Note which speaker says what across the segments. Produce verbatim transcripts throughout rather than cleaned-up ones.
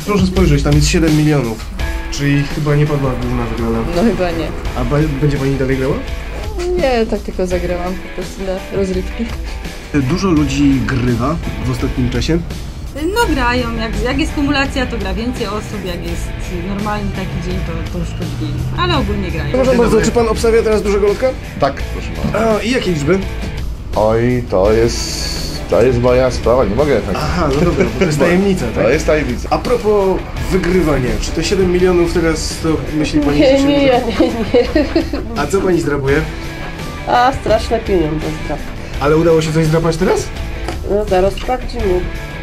Speaker 1: proszę spojrzeć, tam jest siedem milionów. Czyli chyba nie padła główna wygrana.
Speaker 2: No chyba nie.
Speaker 1: A będzie pani dalej grała?
Speaker 2: Nie, tak tylko zagrałam po prostu na rozrywki.
Speaker 1: Dużo ludzi grywa w ostatnim czasie.
Speaker 3: No grają, jak, jak jest kumulacja, to gra więcej osób, jak jest normalny taki dzień, to, to już mniej. Ale ogólnie grają.
Speaker 1: Proszę bardzo, czy pan obstawia teraz dużego lotka?
Speaker 4: Tak, proszę pana.
Speaker 1: A i jakie liczby?
Speaker 4: Oj, to jest... to jest moja sprawa, nie mogę tak.
Speaker 1: Aha, no dobra, bo to jest tajemnica, tak?
Speaker 4: To jest tajemnica.
Speaker 1: A propos wygrywania, czy te siedem milionów teraz to myśli pani?
Speaker 2: Nie,
Speaker 1: że się
Speaker 2: nie,
Speaker 1: uda?
Speaker 2: nie, nie.
Speaker 1: A co pani zdrabuje?
Speaker 2: A, straszne pieniądze zdrap.
Speaker 1: Ale udało się coś zdrapać teraz?
Speaker 2: No zaraz sprawdzimy.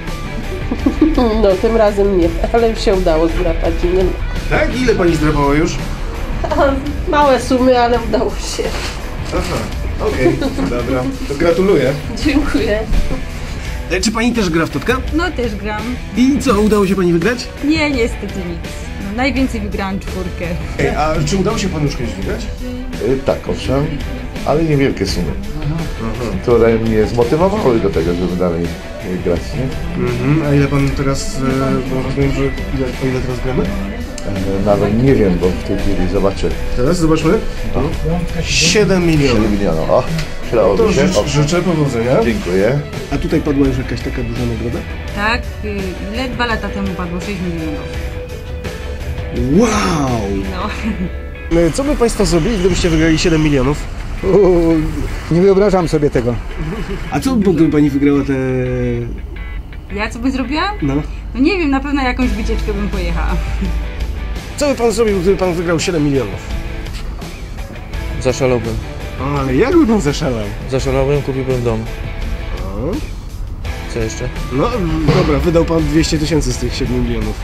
Speaker 2: No tym razem nie, ale już się udało zdrapać.
Speaker 1: Tak? Ile pani zdrapała już?
Speaker 2: Małe sumy, ale udało się.
Speaker 1: Aha, okej, okay, dobra. To gratuluję.
Speaker 2: Dziękuję.
Speaker 1: E, czy pani też gra w totka?
Speaker 3: No też gram.
Speaker 1: I co, udało się pani wygrać?
Speaker 3: Nie, niestety nic. No, najwięcej wygrałam czwórkę.
Speaker 1: Ej, a czy udało się panu już kiedyś wygrać?
Speaker 4: Y, tak, owszem, ale niewielkie sumy, które mnie zmotywowały do tego, żeby dalej y, grać, nie?
Speaker 1: Mhm. A ile pan teraz, e, bo rozumiem, że ile, o ile teraz gramy?
Speaker 4: E, nawet nie wiem, bo w tej chwili zobaczę.
Speaker 1: Teraz zobaczmy. siedem milionów.
Speaker 4: siedem milionów, o,
Speaker 1: To
Speaker 4: przydałoby się.
Speaker 1: życz, życzę powodzenia.
Speaker 4: Dziękuję.
Speaker 1: A tutaj padła już jakaś taka duża nagroda?
Speaker 3: Tak, y, ile dwa lata temu padło sześć milionów.
Speaker 1: Wow!
Speaker 3: No.
Speaker 1: Co by państwo zrobili, gdybyście wygrali siedem milionów?
Speaker 5: Uuu, nie wyobrażam sobie tego.
Speaker 1: A co by gdyby pani wygrała te...
Speaker 3: Ja co bym zrobiła?
Speaker 1: No.
Speaker 3: No nie wiem, na pewno jakąś wycieczkę bym pojechała.
Speaker 1: Co by pan zrobił, gdyby pan wygrał siedem milionów?
Speaker 6: Zaszalałbym.
Speaker 1: O, ale jak by pan zaszalał?
Speaker 6: Zaszalałbym, kupiłbym dom.
Speaker 1: O.
Speaker 6: Co jeszcze?
Speaker 1: No dobra, wydał pan dwieście tysięcy z tych siedmiu milionów.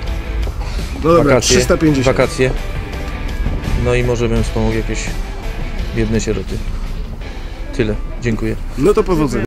Speaker 1: No dobra,
Speaker 6: Wakacje,
Speaker 1: trzysta pięćdziesiąt.
Speaker 6: wakacje. No i może bym wspomógł jakieś biedne sieroty. Tyle. Dziękuję.
Speaker 1: No to powodzenia.